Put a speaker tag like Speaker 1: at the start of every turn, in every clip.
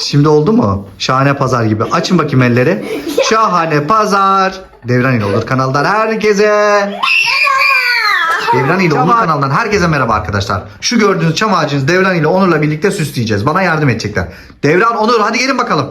Speaker 1: Şimdi oldu mu? Şahane pazar gibi. Açın bakayım elleri. Şahane pazar. Devran ile Olur kanalından herkese. Devran ile Onur kanalından herkese merhaba arkadaşlar. Şu gördüğünüz çam ağacınızı Devran ile Onur'la birlikte süsleyeceğiz. Bana yardım edecekler. Devran, Onur, hadi gelin bakalım.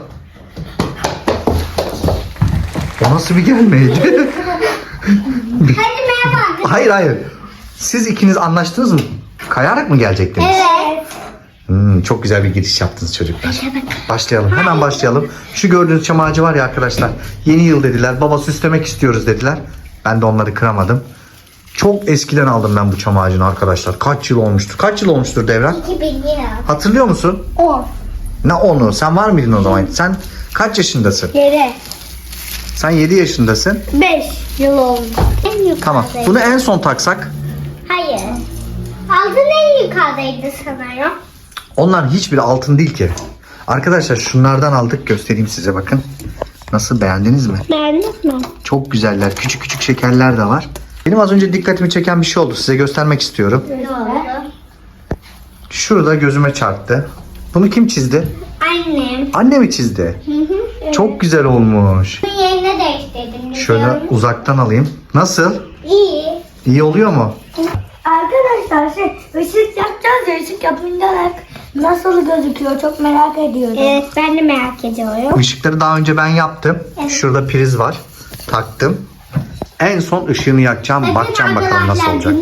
Speaker 1: O nasıl bir gelmeydi?
Speaker 2: Hadi merhaba.
Speaker 1: Hayır. Siz ikiniz anlaştınız mı? Kayarak mı gelecektiniz?
Speaker 2: Evet.
Speaker 1: Çok güzel bir giriş yaptınız çocuklar. Başlayalım. Hemen başlayalım. Şu gördüğünüz çam ağacı var ya arkadaşlar. Yeni yıl dediler. Baba süslemek istiyoruz dediler. Ben de onları kıramadım. Çok eskiden aldım ben bu çam ağacını arkadaşlar. Kaç yıl olmuştur? Kaç yıl olmuştur Devran?
Speaker 2: 2000 lira.
Speaker 1: Hatırlıyor musun?
Speaker 2: 10.
Speaker 1: Ne onu? Sen var mıydın o zaman? Sen kaç yaşındasın?
Speaker 2: 7.
Speaker 1: Sen 7 yaşındasın.
Speaker 2: 5 yıl oldu. En yukarıdaydı.
Speaker 1: Tamam. Bunu en son taksak.
Speaker 2: Hayır. Altın en yukarıdaydı sanırım.
Speaker 1: Onların hiçbiri altın değil ki. Arkadaşlar şunlardan aldık. Göstereyim size, bakın. Nasıl, beğendiniz mi?
Speaker 2: Beğendin mi?
Speaker 1: Çok güzeller. Küçük küçük şekerler de var. Benim az önce dikkatimi çeken bir şey oldu. Size göstermek istiyorum.
Speaker 2: Ne oldu?
Speaker 1: Şurada gözüme çarptı. Bunu kim çizdi?
Speaker 2: Annem.
Speaker 1: Anne mi çizdi?
Speaker 2: Evet.
Speaker 1: Çok güzel olmuş.
Speaker 2: Bunun yerine değiştirdim.
Speaker 1: Şöyle uzaktan alayım. Nasıl?
Speaker 2: İyi.
Speaker 1: İyi oluyor mu?
Speaker 3: Arkadaşlar ışık yapacağız ya, ışık yapınca nasıl gözüküyor çok merak ediyorum.
Speaker 2: Evet, ben de merak ediyorum.
Speaker 1: Işıkları daha önce ben yaptım. Şurada priz var. Taktım. En son ışığını yakacağım. Bakacağım bakalım nasıl olacak.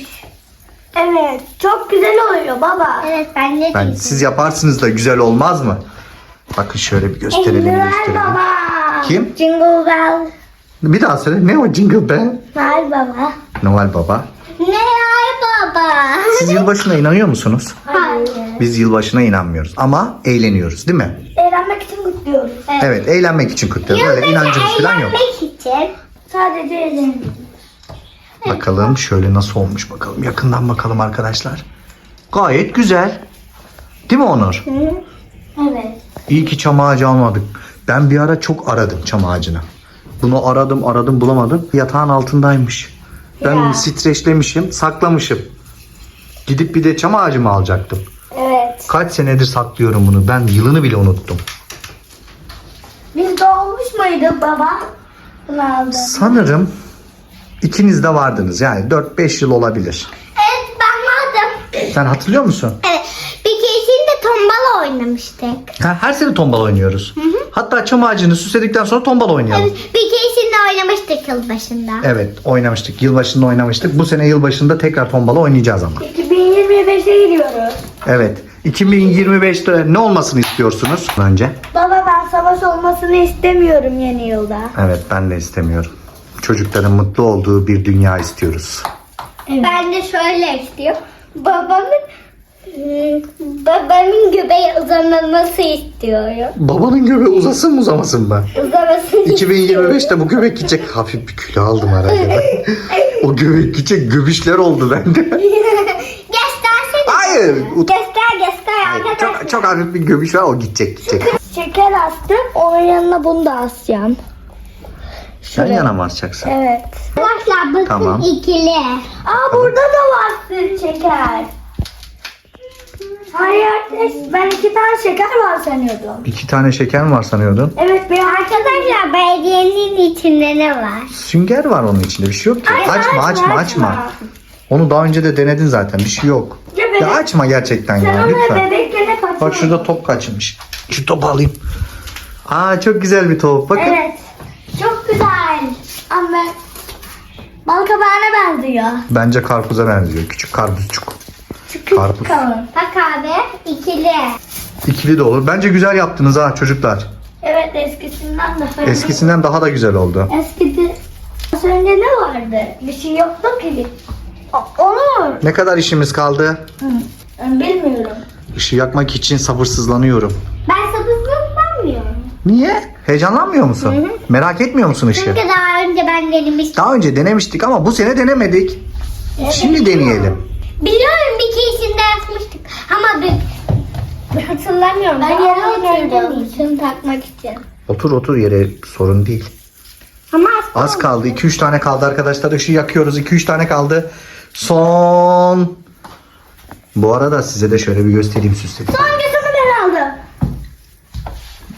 Speaker 3: Evet çok güzel oluyor baba.
Speaker 2: Evet, ben de
Speaker 1: Siz yaparsınız da güzel olmaz mı? Bakın şöyle bir gösterelim.
Speaker 3: Ver
Speaker 1: gösterelim.
Speaker 3: baba.
Speaker 1: Kim?
Speaker 2: Jingle bell.
Speaker 1: Bir daha söyle. Ne o Jingle Bell?
Speaker 3: Ver baba.
Speaker 1: Noel Baba.
Speaker 2: Ne ay baba?
Speaker 1: Siz yılbaşına inanıyor musunuz?
Speaker 2: Hayır.
Speaker 1: Biz yılbaşına inanmıyoruz ama eğleniyoruz, değil mi?
Speaker 3: Eğlenmek için kutluyoruz.
Speaker 1: Evet, eğlenmek için kutluyoruz. Öyle inancımız falan yok.
Speaker 2: Eğlenmek için.
Speaker 3: Sadece eğlenmek.
Speaker 1: Bakalım şöyle nasıl olmuş bakalım. Yakından bakalım arkadaşlar. Gayet güzel. Değil mi Onur?
Speaker 3: Evet.
Speaker 1: İyi ki çam ağacı almadık. Ben bir ara çok aradım çam ağacını. Bunu aradım bulamadım. Yatağın altındaymış. Ben onu streçlemişim, saklamışım. Gidip bir de çam ağacı mı alacaktım?
Speaker 3: Evet.
Speaker 1: Kaç senedir saklıyorum bunu. Ben yılını bile unuttum.
Speaker 3: Biz doğmuş muyduk baba? Bunu aldım.
Speaker 1: Sanırım ikiniz de vardınız. Yani 4-5 yıl olabilir.
Speaker 2: Evet, ben vardım.
Speaker 1: Sen hatırlıyor musun?
Speaker 2: Evet. Bir keresinde tombala oynamıştık.
Speaker 1: Her sene tombala oynuyoruz. Hatta çam ağacını süsledikten sonra tombala oynayalım.
Speaker 2: Evet, bir keresinde oynamıştık yılbaşında.
Speaker 1: Evet, oynamıştık. Yılbaşında oynamıştık. Bu sene yılbaşında tekrar tombala oynayacağız ama.
Speaker 3: 2025'e gidiyoruz.
Speaker 1: Evet. 2025'te ne olmasını istiyorsunuz önce?
Speaker 3: Baba ben savaş olmasını istemiyorum yeni yılda.
Speaker 1: Evet, ben de istemiyorum. Çocukların mutlu olduğu bir dünya istiyoruz.
Speaker 2: Ben de şöyle istiyorum. Babamın göbeği uzanması istiyorum.
Speaker 1: Babanın göbeği uzasın mı uzamasın mı?
Speaker 2: Uzamasını
Speaker 1: 2025'te bu göbek gidecek. Hafif bir kilo aldım herhalde. O göbek gidecek, göbüşler oldu bende.
Speaker 2: Göstersene.
Speaker 1: Hayır.
Speaker 2: Göster arkadaşlar.
Speaker 1: Çok hafif bir göbüş var, o gidecek.
Speaker 3: Şeker astım. Onun yanına bunu da asacağım.
Speaker 1: Yan yana mı asacaksın?
Speaker 3: Evet.
Speaker 2: Arkadaşlar bakın
Speaker 1: Tamam.
Speaker 2: ikili.
Speaker 3: Aa burada da var süt şeker. Hayır ben 2 tane şeker var sanıyordum.
Speaker 1: 2 tane şeker mi var sanıyordun?
Speaker 3: Evet bir
Speaker 2: Arkadaşlar belediyenin içinde ne var?
Speaker 1: Sünger var onun içinde, bir şey yok ki. Açma. Onu daha önce de denedin zaten, bir şey yok.
Speaker 3: Evet.
Speaker 1: Ya açma gerçekten
Speaker 3: Sen
Speaker 1: ya,
Speaker 3: onu
Speaker 1: lütfen.
Speaker 3: bebekken hep açıyordun.
Speaker 1: Bak şurada top kaçmış. Şu topu alayım. Aa, çok güzel bir top. Bakın.
Speaker 3: Evet. Çok güzel. Ama bal kabağına benziyor.
Speaker 1: Bence karpuza benziyor. Küçük karpuzcuk.
Speaker 3: Küçük
Speaker 1: Karpuz.
Speaker 3: kalın.
Speaker 2: Bak abi ikili.
Speaker 1: İkili de olur. Bence güzel yaptınız ha çocuklar.
Speaker 3: Evet eskisinden de.
Speaker 1: Eskisinden daha da güzel oldu.
Speaker 3: Eskide az önce ne vardı? Bir şey yoktu ki. Olur.
Speaker 1: Ne kadar işimiz kaldı?
Speaker 3: Bilmiyorum.
Speaker 1: Işığı yakmak için sabırsızlanıyorum.
Speaker 2: Ben sabırsızlanmıyorum.
Speaker 1: Niye? Heyecanlanmıyor musun? Merak etmiyor musun ışığı?
Speaker 2: Çünkü daha önce ben denemiştim.
Speaker 1: Daha önce denemiştik ama bu sene denemedik. Şimdi deneyelim.
Speaker 2: Biliyorum bir keresinde yapmıştık. Ama hatırlamıyorum.
Speaker 3: Ben
Speaker 2: Daha
Speaker 3: yere
Speaker 2: oturdum.
Speaker 3: oturdum.
Speaker 2: Şunu takmak için.
Speaker 1: Otur yere, sorun değil.
Speaker 2: Ama
Speaker 1: Az kaldı. 2-3 tane kaldı arkadaşlar. Işığı yakıyoruz. 2-3 tane kaldı. Son. Bu arada size de şöyle bir göstereyim, süsledim.
Speaker 3: Hangisini ben aldım?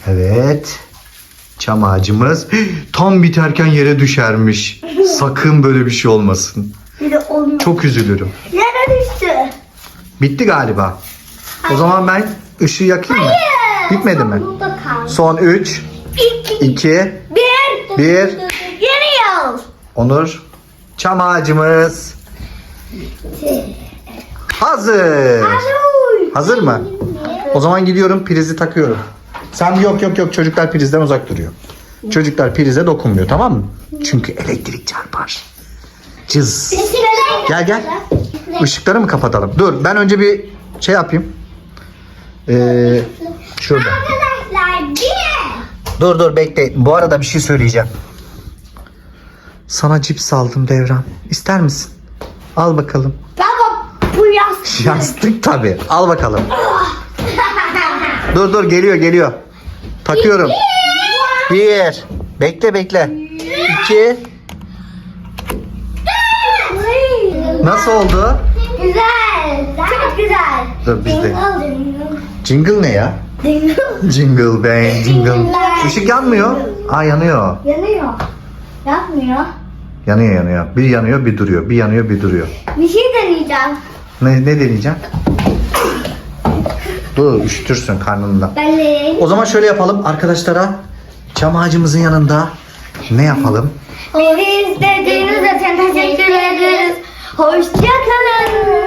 Speaker 1: Evet. Çam ağacımız tam biterken yere düşermiş. Sakın böyle bir şey olmasın.
Speaker 3: Bir de olmuyor.
Speaker 1: Çok üzülürüm.
Speaker 3: Yere düştü.
Speaker 1: Bitti galiba. O zaman ben ışığı yakayım mı? Bitmedi mi?
Speaker 2: Burada kaldı.
Speaker 1: Son 3, 2,
Speaker 3: Bir.
Speaker 1: 1.
Speaker 3: Yeni yıl.
Speaker 1: Onur. Çam ağacımız hazır. Hazır mı? O zaman gidiyorum, prizi takıyorum. Sen yok çocuklar prizden uzak duruyor. Çocuklar prize dokunmuyor, tamam mı? Çünkü elektrik çarpar. Cız. Gel. Işıkları mı kapatalım? Dur ben önce bir şey yapayım. Şurada.
Speaker 2: Arkadaşlar bir.
Speaker 1: Dur bekle. Bu arada bir şey söyleyeceğim. Sana cips aldım Devran. İster misin? Al bakalım.
Speaker 3: Baba bu yastık.
Speaker 1: Yastık tabii. Al bakalım. Dur geliyor. Takıyorum. 1. Bekle. 2. Nasıl oldu?
Speaker 3: Güzel. Çok güzel.
Speaker 1: Dur biz de.
Speaker 3: Dingle.
Speaker 1: Jingle ne ya?
Speaker 3: Dingle.
Speaker 1: Jingle bang jingle. Işık yanmıyor. Aa yanıyor.
Speaker 3: Yanıyor. Yapmıyor.
Speaker 1: Yanıyor. Bir yanıyor bir duruyor. Bir yanıyor bir duruyor.
Speaker 3: Bir şey deneyeceğim.
Speaker 1: Ne deneyeceğim? Dur üşütürsün karnında.
Speaker 3: Ben de.
Speaker 1: O zaman şöyle yapalım arkadaşlara. Çam ağacımızın yanında ne yapalım?
Speaker 3: Bizi izlediğiniz için teşekkür ederiz. Hoşçakalın.